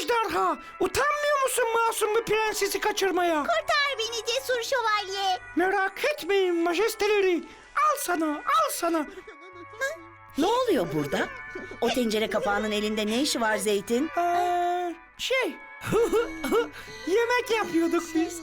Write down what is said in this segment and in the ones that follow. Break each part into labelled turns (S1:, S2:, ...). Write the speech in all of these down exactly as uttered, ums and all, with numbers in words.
S1: ejderha! Utanmıyor musun masum bir prensesi kaçırmaya?
S2: Kurtar beni cesur şövalye.
S1: Merak etmeyin majesteleri. Al sana, al sana.
S3: Ne oluyor burada? O tencere kapağının elinde ne işi var Zeytin?
S1: Ee, şey, yemek yapıyorduk biz.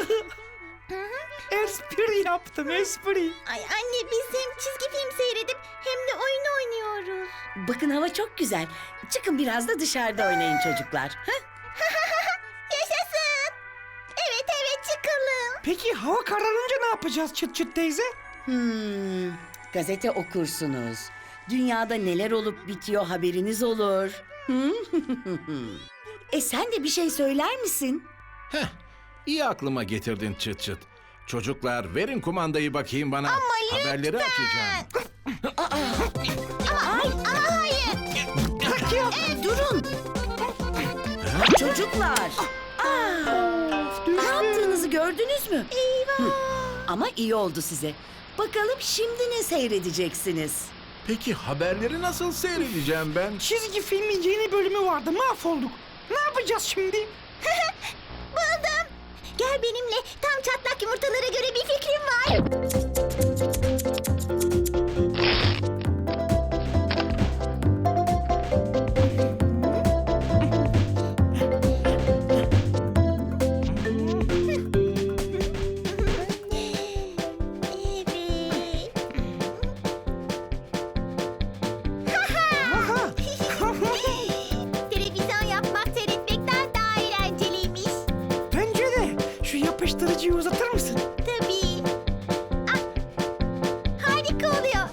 S1: Espri yaptım, espri.
S2: Ay anne biz hem çizgi film seyredip hem de oyun oynuyoruz.
S3: Bakın hava çok güzel. Çıkın biraz da dışarıda oynayın çocuklar. Heh?
S2: Yaşasın. Evet evet çıkalım.
S1: Peki hava kararınca ne yapacağız Çıt Çıt teyze?
S3: Hmm, gazete okursunuz. Dünyada neler olup bitiyor haberiniz olur. Hmm? e sen de bir şey söyler misin?
S4: Heh, iyi aklıma getirdin Çıt Çıt. Çocuklar verin kumandayı bakayım bana.
S2: Ama
S4: Haberleri
S2: lütfen.
S4: açacağım.
S2: Ama, ama hayır.
S3: E, durun. Çocuklar. Aa, ne yaptığınızı gördünüz mü?
S2: Eyvah.
S3: Ama iyi oldu size. Bakalım şimdi ne seyredeceksiniz?
S4: Peki haberleri nasıl seyredeceğim ben?
S1: Çizgi filmin yeni bölümü vardı, mahvolduk. Ne yapacağız şimdi?
S2: Buldum. Gel benimle. Tam çatlak yumurtalara göre bir fikrim var. Evet.
S1: Aha.
S2: Televizyon yapmak seyretmekten daha eğlenceliymiş.
S1: Bence de. Şu yapıştırıcıyı uzatır mısın?
S2: Tabii. Ah, harika oluyor.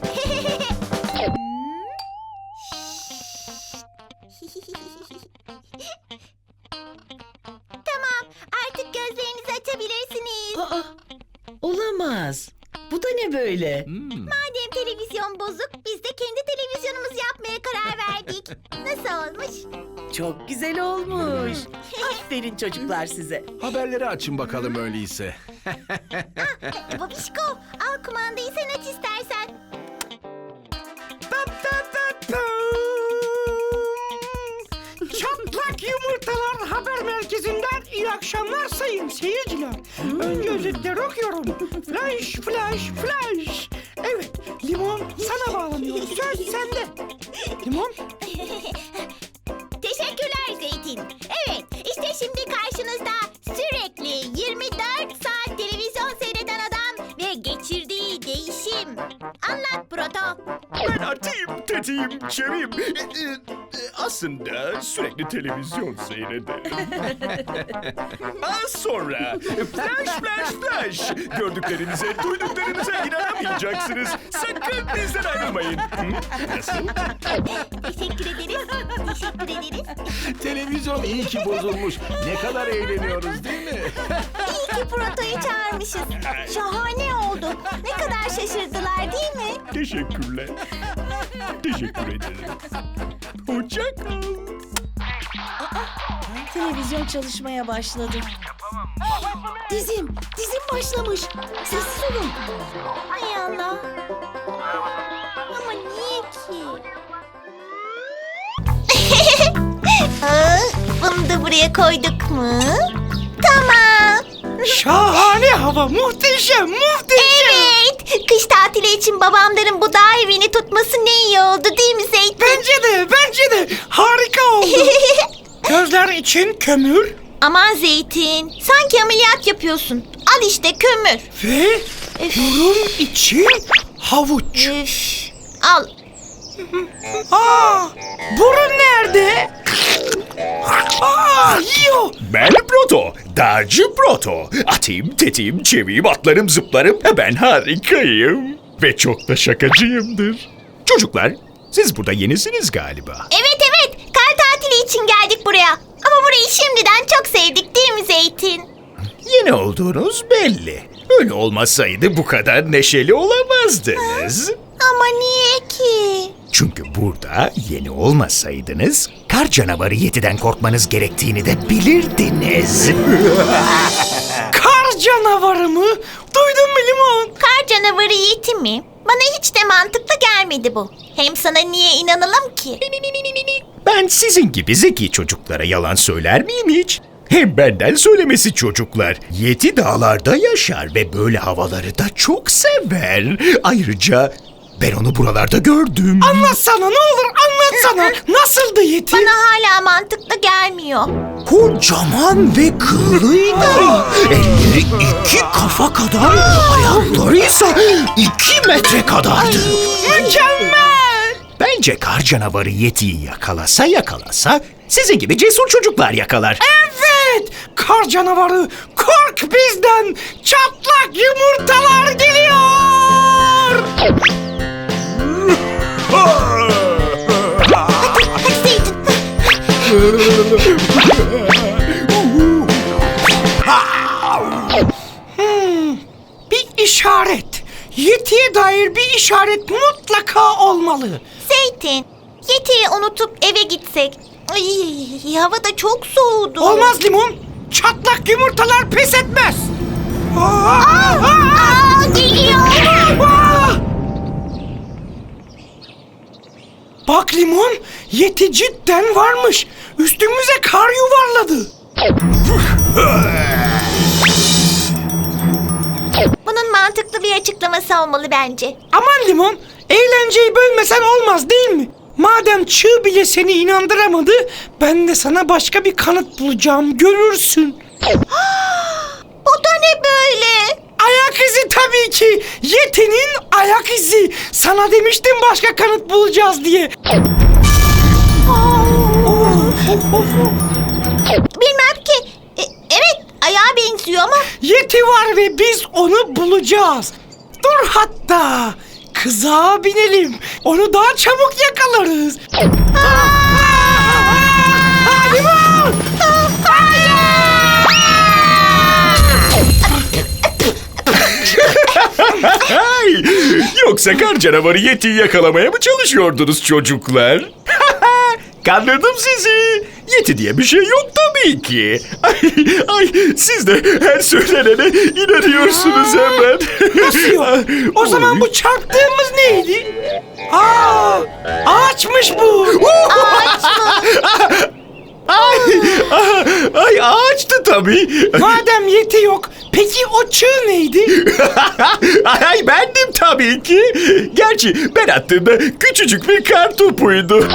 S2: Tamam, artık gözlerinizi açabilirsiniz.
S3: Aa, olamaz. Bu da ne böyle?
S4: Hmm,
S2: Madem televizyon bozuk, biz de kendi televizyonumuzu yapmaya karar verdik. Nasıl olmuş?
S3: Çok güzel olmuş. Aferin çocuklar size.
S4: haberleri açın bakalım öyleyse.
S2: Babişko, al kumandayı sen aç istersen.
S1: Ta ta ta ta. Çatlak Yumurtalar Haber Merkezi'nden iyi akşamlar sayın seyirciler. Önce özetleri okuyorum. Flash, flash, flash. Evet, Limon sana bağlanıyor. Söz sende. Limon,
S2: Teşekkürler Zeytin. Evet, işte şimdi karşınızda sürekli yirmi dört saat televizyon seyreden adam ve geçirdiği değişim. Anlat Proto.
S5: Ben atayım, tetiğim, çevim. Ee, e, Aslında sürekli televizyon seyrederim. Az sonra flash flash flash. Gördüklerinize, duyduklarınıza inanamayacaksınız. Sakın bizden ayrılmayın. Hı? Nasıl?
S2: Teşekkür ederiz. Teşekkür ederiz.
S4: Televizyon iyi ki bozulmuş. Ne kadar eğleniyoruz değil mi?
S2: İyi ki Proto'yu çağırmışız. Şahane oldu. Ne kadar şaşırdılar değil mi?
S5: Teşekkürler. Teşekkür ederim. Hoşça kal.
S3: Televizyon çalışmaya başladı. Dizim, dizim başlamış. Sessiz olun.
S2: Hay Allah. Ama niye ki? Aa, bunu da buraya koyduk mu? Tamam.
S1: şahane hava, muhteşem, muhteşem.
S2: Evet. Kış tatili için babamların bu dağ evini tutması ne iyi oldu değil mi Zeytin?
S1: Bence de, bence de harika oldu. Gözler için kömür
S2: Aman Zeytin, sanki ameliyat yapıyorsun. Al işte kömür.
S1: ve burun için havuç.
S2: Üf. Al.
S1: Aa, burun nerede? Aa, yiyor.
S5: Ben Proto, dağcı Proto. Atayım, tetiğim, çeviyim, atlarım, zıplarım. Ben harikayım. Ve çok da şakacıyımdır. Çocuklar, siz burada yenisiniz galiba.
S2: Evet evet, kar tatili için geldik buraya. Ama burayı şimdiden çok sevdik değil mi Zeytin?
S5: Yeni olduğunuz belli. Öyle olmasaydı bu kadar neşeli olamazdınız.
S2: Ama niye ki?
S5: Çünkü burada yeni olmasaydınız kar canavarı Yeti'den korkmanız gerektiğini de bilirdiniz.
S1: Kar canavarı mı? Duydun mu Limon?
S2: Kar canavarı Yeti mi? Bana hiç de mantıklı gelmedi bu. Hem sana niye inanalım ki?
S5: Ben sizin gibi zeki çocuklara yalan söyler miyim hiç? Hem benden söylemesi çocuklar. Yeti dağlarda yaşar ve böyle havaları da çok sever. Ayrıca ben onu buralarda gördüm.
S1: Anlatsana ne olur anlatsana. Nasıldı Yeti?
S2: Bana hala mantıklı gelmiyor.
S5: Kocaman ve kıllıydı. Elleri iki kafa kadar, ayakları ise iki metre kadardı.
S1: Mükemmel.
S5: Bence kar canavarı Yeti'yi yakalasa yakalasa sizin gibi cesur çocuklar yakalar.
S1: Evet. Kar canavarı kork bizden. Çatlak yumurtalar geliyor.
S2: Hadi Zeytin.
S1: Bir işaret. Yeti'ye dair bir işaret mutlaka olmalı.
S2: Zeytin, Yeti'yi unutup eve gitsek. Ay, hava da çok soğudu.
S1: Olmaz Limon. Çatlak yumurtalar pes etmez. Aa, aa,
S2: Aa, geliyor.
S1: aa! Bak Limon, Yeti cidden varmış. Üstümüze kar yuvarladı.
S2: Bunun mantıklı bir açıklaması olmalı bence.
S1: Aman Limon, eğlenceyi bölmesen olmaz değil mi? Madem çığ bile seni inandıramadı, ben de sana başka bir kanıt bulacağım, görürsün.
S2: Bu da ne böyle?
S1: Ayak izi tabii ki. Yeti'nin ayak izi. Sana demiştim başka kanıt bulacağız diye.
S2: Bilmem ki. E, evet, ayağa benziyor ama.
S1: Yeti var ve biz onu bulacağız. Dur hatta. Kızağa binelim. Onu daha çabuk yakalarız. Hadi bak.
S5: Ay, yoksa kar canavarı Yeti'yi yakalamaya mı çalışıyordunuz çocuklar? Kandırdım sizi. Yeti diye bir şey yok tabii ki. Ay, ay siz de her söylenene inanıyorsunuz hemen.
S1: Nasıl yok? O zaman bu çarptığımız neydi? Aa, ağaçmış bu.
S2: Ağaç mı?
S5: Ay, ay ağaçtı tabii.
S1: Madem Yeti yok, peki o çığ neydi?
S5: Ay bendim tabii ki. Gerçi ben attığımda küçücük bir kar topuydu.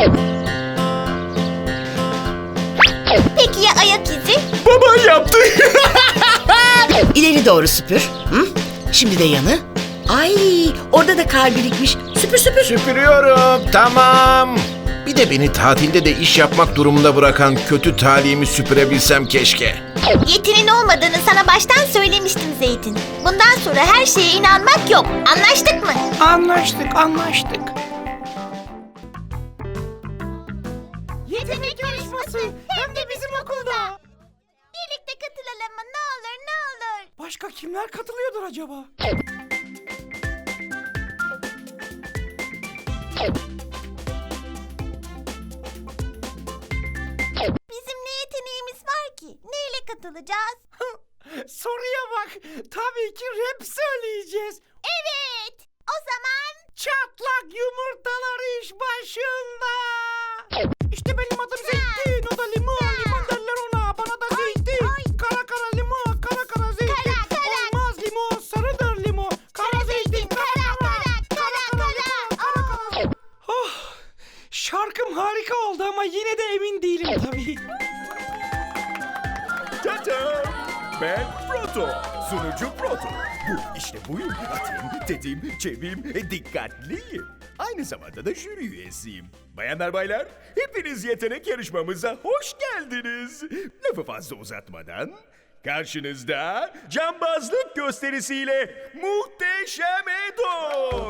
S2: Peki ya ayak izi?
S5: Baban yaptı.
S3: İleri doğru süpür. Hı? Şimdi de yanı. Ay, orada da kar birikmiş. Süpür süpür.
S4: Süpürüyorum, tamam. Bir de beni tatilde de iş yapmak durumunda bırakan kötü talihimi süpürebilsem keşke.
S2: Yetinin olmadığını sana baştan söylemiştim Zeytin. Bundan sonra her şeye inanmak yok. Anlaştık mı?
S1: Anlaştık, anlaştık.
S2: Yetenek yarışması
S1: hem de bizim okulda.
S2: Birlikte katılalım mı? Ne olur ne olur.
S1: Başka kimler katılıyordur acaba?
S2: Bizim ne yeteneğimiz var ki? Neyle katılacağız?
S1: Soruya bak. Tabii ki rap söyleyeceğiz.
S2: Evet. O zaman
S1: Çatlak yumurtalar iş başında. İşte benim adım Zeytin, o da limon. Limon derler ona, bana da zeytin. Kara kara limon, kara kara zeytin.
S2: Kara, kara.
S1: Olmaz limon, sarıdır limon. Kara zeytin, kara kara. Kara kara limon, kara kara. Oh, şarkım harika oldu ama yine de emin değilim tabii.
S5: Tata! Ben Proto, sunucu Proto. Bu işte buyum. Atayım, tetiğim, çeviyim, e, dikkatliyim. Aynı zamanda da jüri üyesiyim. Bayanlar baylar, hepiniz yetenek yarışmamıza hoş geldiniz. Lafı fazla uzatmadan, karşınızda cambazlık gösterisiyle Muhteşem Edo.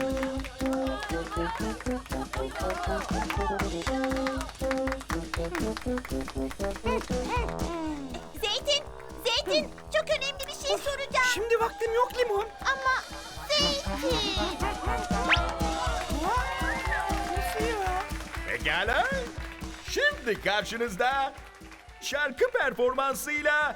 S2: Zeytin, Zeytin çok önemli bir şey soracağım.
S1: Şimdi vaktim yok limon.
S2: Ama Zeytin.
S1: Nasıl ya?
S5: Pekala. Şimdi karşınızda şarkı performansıyla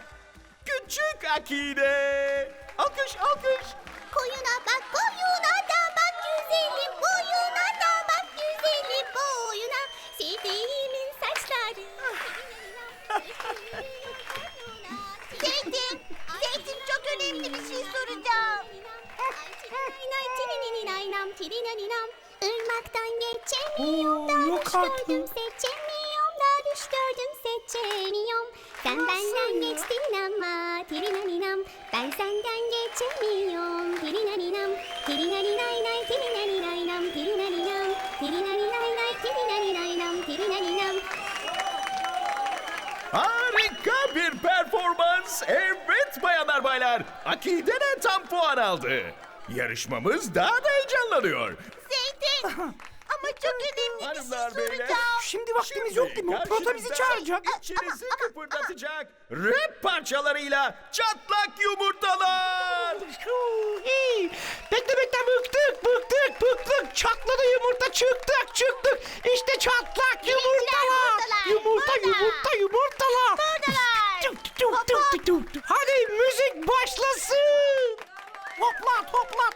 S5: Küçük Akide. Alkış, alkış.
S2: Koyuna bak, koyuna da bak, güzelim boyuna da bak güzelim boyuna. Sevdiğimin saçları. Zeytin, Zeytin çok önemli bir şey soracağım. Irmaktan geçemiyorum da
S1: Oo, yok
S2: düş
S1: artık.
S2: gördüm seçemiyorum da düş gördüm seçemiyorum. Sen benden geçtin ama tirinaninam. Ben senden geçemiyorum tirinaninam. Tirinaninay tirinaninam tirinaninam. Tirinaninay tirinaninam tirinaninam.
S5: Harika bir performans. Evet bayanlar baylar. Akide de tam puan aldı. Yarışmamız daha da heyecanlanıyor.
S2: Zeytin ama çok önemli bir şey
S5: Hanımlar beyler.
S2: soracağım.
S1: Şimdi vaktimiz yok değil mi? Proto bizi çağıracak.
S5: İçinizi kıpırdatacak rap parçalarıyla çatlak yumurtalar.
S1: Huu, iyi. Bekle bekle bıktık bıktık bıktık. Çatladı yumurta çıktık çıktık. İşte çatlak yumurtalar.
S2: yumurtalar,
S1: Yumurta
S2: burada.
S1: yumurta yumurtalar.
S2: Buradalar.
S1: Tuk, tuk, tuk, tuk, tuk, tuk. Hadi müzik başlasın. Hoplat hoplat.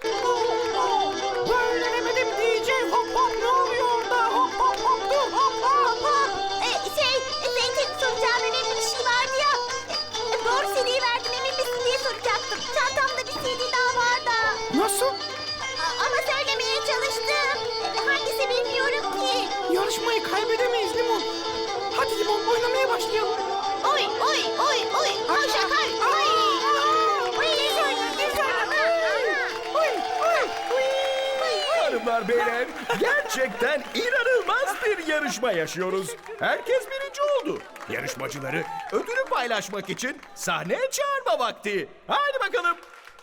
S1: Böyle demedim D J hop hop ne oluyor orada? Hop hop hop dur hop hop hop.
S2: Ee, şey, Zeytin soracağım önemli bir şey vardı ya. Ee, doğru C D'yi verdim emin misin diye soracaktım. Çantamda bir C D daha var da.
S1: Nasıl?
S2: A- ama söylemeye çalıştım. Ee, hangisi bilmiyorum ki.
S1: Yarışmayı kaybedemeyiz Limon. Hadi Limon oynamaya başlayalım.
S2: Oy oy oy oy. Koş Akar. Oy. Oy ne söyle ne söyle.
S1: Oy oy oy.
S5: Hanımlar beyler gerçekten inanılmaz bir yarışma yaşıyoruz. Herkes birinci oldu. Yarışmacıları ödülü paylaşmak için sahneye çağırma vakti. Hadi bakalım.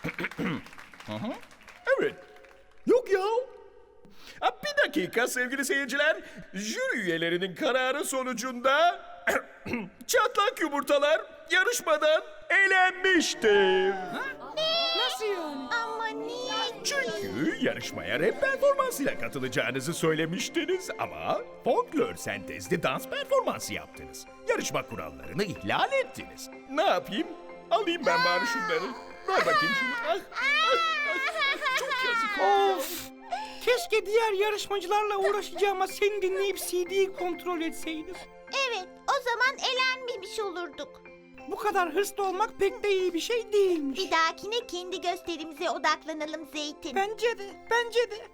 S5: Hı hı. Evet. Yok ya. Ha, bir dakika sevgili seyirciler. Jüri üyelerinin kararı sonucunda çatlak yumurtalar yarışmadan elenmiştir.
S1: Nasıl yani?
S2: Ama niye?
S5: Çünkü yarışmaya rap performansıyla katılacağınızı söylemiştiniz ama folklor sentezli dans performansı yaptınız. Yarışma kurallarını ihlal ettiniz. Ne yapayım? Alayım ben bari şunları. Ver bakayım şunu. Ah, ah, ah. Çok yazık.
S1: Of! Keşke diğer yarışmacılarla uğraşacağıma seni dinleyip C D'yi kontrol etseydim.
S2: Evet o zaman elenmemiş olurduk.
S1: Bu kadar hırslı olmak pek de iyi bir şey değilmiş.
S2: Bir dahakine kendi gösterimize odaklanalım Zeytin.
S1: Bence de, bence de.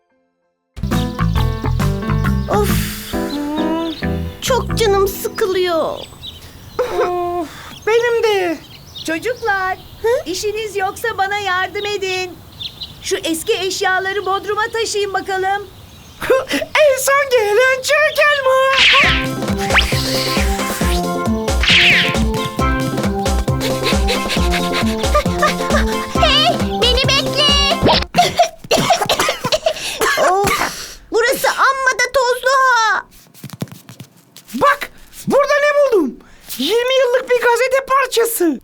S2: Of çok canım sıkılıyor.
S1: Of, benim de.
S3: Çocuklar, işiniz yoksa bana yardım edin. Şu eski eşyaları bodruma taşıyın bakalım.
S1: En son gelen çirkin mi?
S2: Hey beni bekle. Of burası amma da tozlu ha.
S1: Bak, burada ne buldum? yirmi yıllık bir gazete parçası.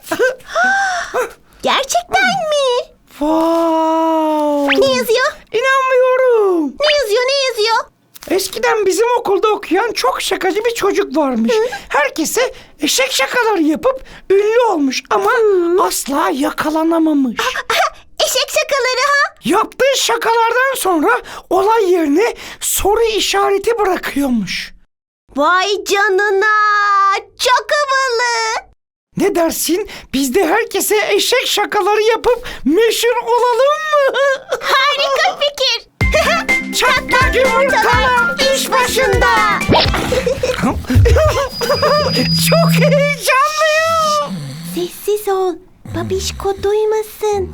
S2: Gerçekten mi?
S1: Wow.
S2: Ne yazıyor?
S1: İnanmıyorum.
S2: Ne yazıyor ne yazıyor?
S1: Eskiden bizim okulda okuyan çok şakacı bir çocuk varmış. Herkese eşek şakaları yapıp ünlü olmuş ama asla yakalanamamış.
S2: Eşek şakaları ha?
S1: Yaptığı şakalardan sonra olay yerine soru işareti bırakıyormuş.
S2: Vay canına çok havalı.
S1: Ne dersin? Biz de herkese eşek şakaları yapıp meşhur olalım mı?
S2: Harika fikir.
S1: Çatlak yumurtalar iş başında. Çok heyecanlıyım.
S2: Sessiz ol. Babişko duymasın.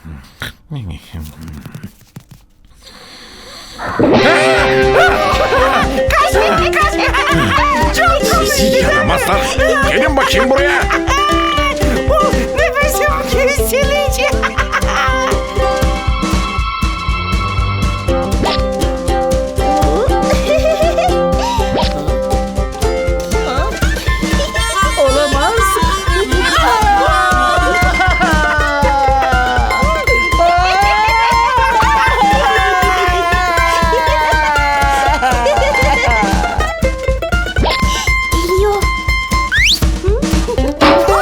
S2: Kaç bekle kaç bekle. Çok komik.
S4: Yaramazlar. Gelin bakayım buraya.
S1: Nefesim kesilecek.
S3: Olamaz.
S2: Geliyor.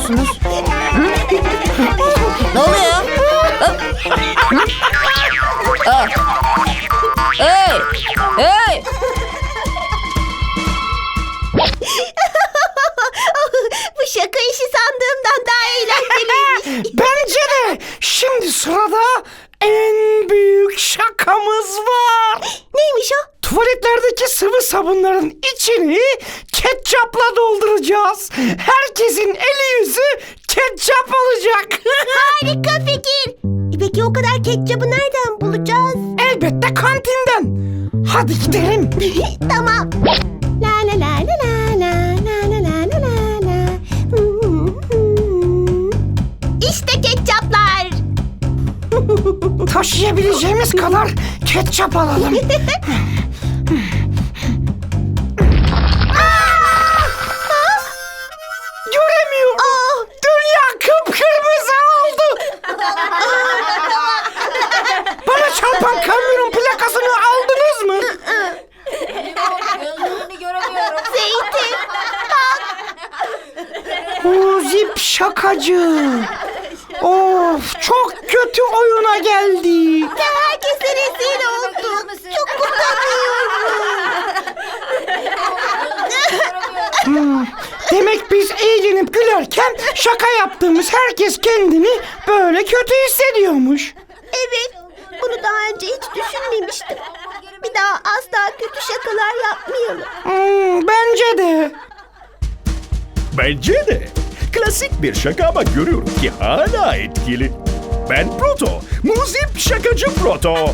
S6: yapıyorsunuz? Ne oluyor ya? Ha? Hı? Aa. Hey! Hey!
S2: Bu şaka işi sandığımdan daha eğlenceliymiş.
S1: Bence de. Şimdi sırada en büyük şakamız var.
S2: Neymiş o?
S1: Tuvaletlerdeki sıvı sabunların içini ketçapla dolduracağız. Herkesin eli yüzü ketçap olacak.
S2: Harika fikir. E Peki o kadar ketçabı nereden bulacağız?
S1: Elbette kantinden. Hadi gidelim.
S2: Tamam. La la la la la la la la la la la la. İşte ketçaplar.
S1: Taşıyabileceğimiz kadar ketçap alalım. Göremiyorum. Dünya kıpkırmızı oldu. Bana çarpan kamyonun plakasını aldınız mı?
S6: Gözlerini göremiyorum.
S2: Zeytin.
S1: O zip şakacı. Of, çok kötü oyuna geldik.
S2: Herkese rezil olduk. Çok utanıyorum.
S1: Demek biz eğlenip gülerken şaka yaptığımız herkes kendini böyle kötü hissediyormuş.
S2: Evet. Bunu daha önce hiç düşünmemiştim. Bir daha asla kötü şakalar yapmayalım.
S1: Hmm, bence de.
S5: Bence de. Klasik bir şaka ama görüyorum ki hala etkili. Ben Proto. Muzip şakacı Proto.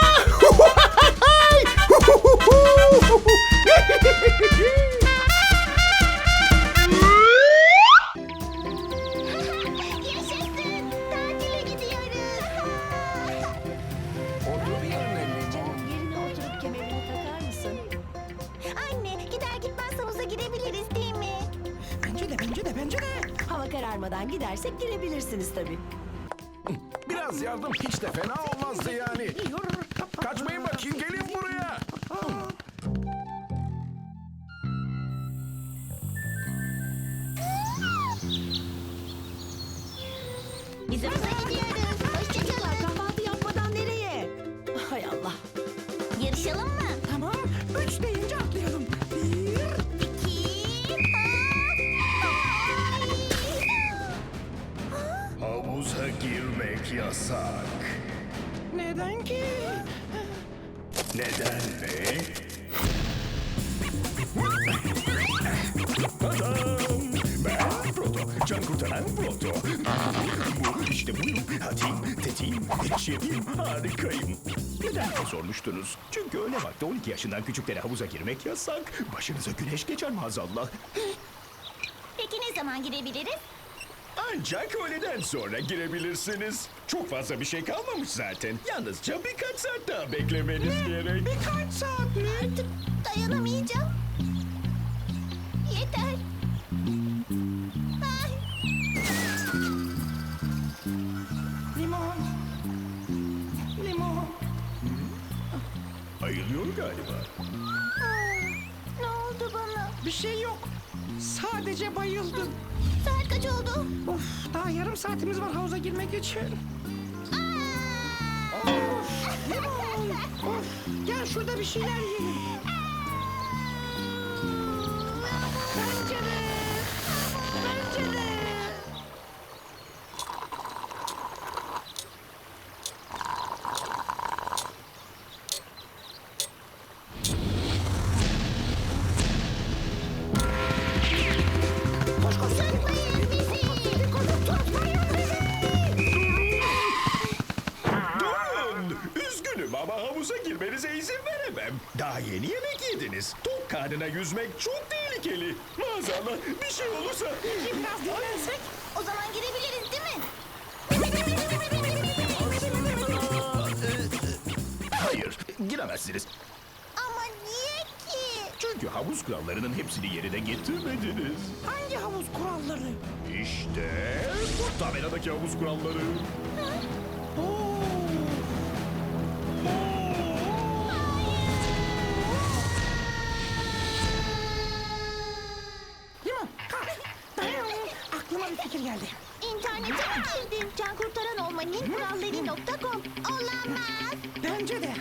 S2: Yaşasın. Tatile gidiyoruz.
S3: Yerine oturup kemerini takar mısın?
S2: Anne gider gitmez havuza girebiliriz değil mi?
S1: Bence de, bence de, bence de.
S3: Hava kararmadan gidersek girebilirsiniz tabii.
S4: Biraz yardım hiç de fena olmazdı yani. Kaçmayın bakayım, gelin buraya.
S2: Biz havuza gidiyoruz. Hoşçakalın.
S3: Kahvaltı yapmadan nereye? Hay Allah.
S2: Yarışalım mı?
S1: Tamam, üç deyince atlayalım. Bir,
S2: İki.
S5: Havuza girmek yasak.
S1: neden ki?
S5: Neden mi? Ben Proto, can kurtaran Proto. Bu işte buyum. Hadi, tetiğim, çeviyim, harikayım. Neden diye sormuştunuz. Çünkü öyle vakti on iki yaşından küçüklere havuza girmek yasak. Başınıza güneş geçer maazallah.
S2: Peki ne zaman girebiliriz?
S5: Ancak öğleden sonra girebilirsiniz. Çok fazla bir şey kalmamış zaten. Yalnızca birkaç saat daha beklemeniz gerek.
S1: Birkaç saat mi?
S2: Artık dayanamayacağım. Yeter. Ay.
S1: Limon. Limon.
S5: Ayılıyor galiba.
S2: Ne oldu bana?
S1: Bir şey yok. Sadece bayıldım.
S2: Saat kaç oldu?
S1: Of, daha yarım saatimiz var havuza girmek için. Of, limon. Of, gel şurada bir şeyler yiyelim. Bence de. Bence de. Koş koş.
S2: Tutmayın bizi.
S1: Tutmayın bizi.
S5: Durun! Üzgünüm ama havuza girmenize izin veremem. Daha yeni yemek yediniz. Tok karnına yüzmek çok tehlikeli. Maazallah bir şey olursa...
S1: Biraz dinlensek.
S2: O zaman girebiliriz değil mi?
S5: Hayır, giremezsiniz.
S2: Ama niye ki?
S5: Çünkü havuz kurallarının hepsini yerine getirmediniz.
S1: Hangi havuz kuralları?
S5: İşte bu tabeladaki havuz kuralları.
S1: Oo. Limon, kalk. Dayan. Aklıma bir fikir geldi.
S2: Cankurtaran olmanın kuralları nokta com. Olamaz.
S1: Bence de.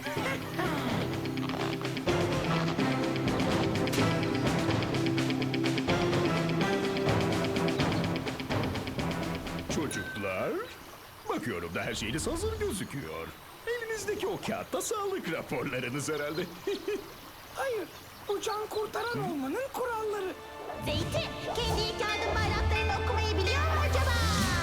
S5: Çocuklar, bakıyorum da her şeyiniz hazır gözüküyor. Elinizdeki o kağıtta sağlık raporlarınız herhalde.
S1: Hayır, bu can kurtaran olmanın kuralları.
S2: Zeytin, kendi ilk yardım bayraklarını okumayı biliyor mu acaba?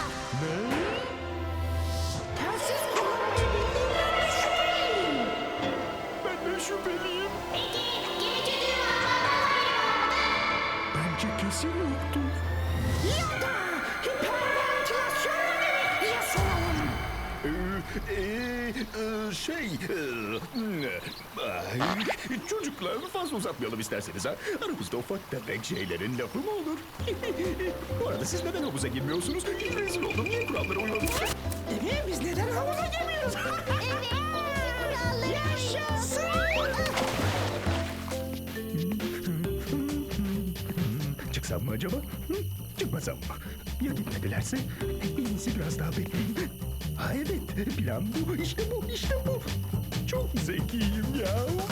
S1: Telsiz kullanmayı bildiğinden şüpheliyim.
S5: Ben de şüpheliyim.
S2: Peki, geçiyor.
S5: Bence kesin yoktur.
S1: Ya da hiperventilasyon yapalım.
S5: Ee, ee, ee, şey, ee, ay, çocuklar fazla uzatmayalım isterseniz ha. Aramızda ufak tefek şeylerin lafı mı olur? Bu arada siz neden havuza girmiyorsunuz? Rezil oldum, niye kurallara uymadınız?
S1: Evet, biz neden havuza girmiyoruz?
S2: Evet, kuralları yaşasın.
S5: Çıksam mı acaba? Hı? Çıkmasam mı? Ya gitmedilerse? En iyisi biraz daha bekleyeyim. Ha evet, plan bu, işte bu, işte bu. Çok zekiyim ya.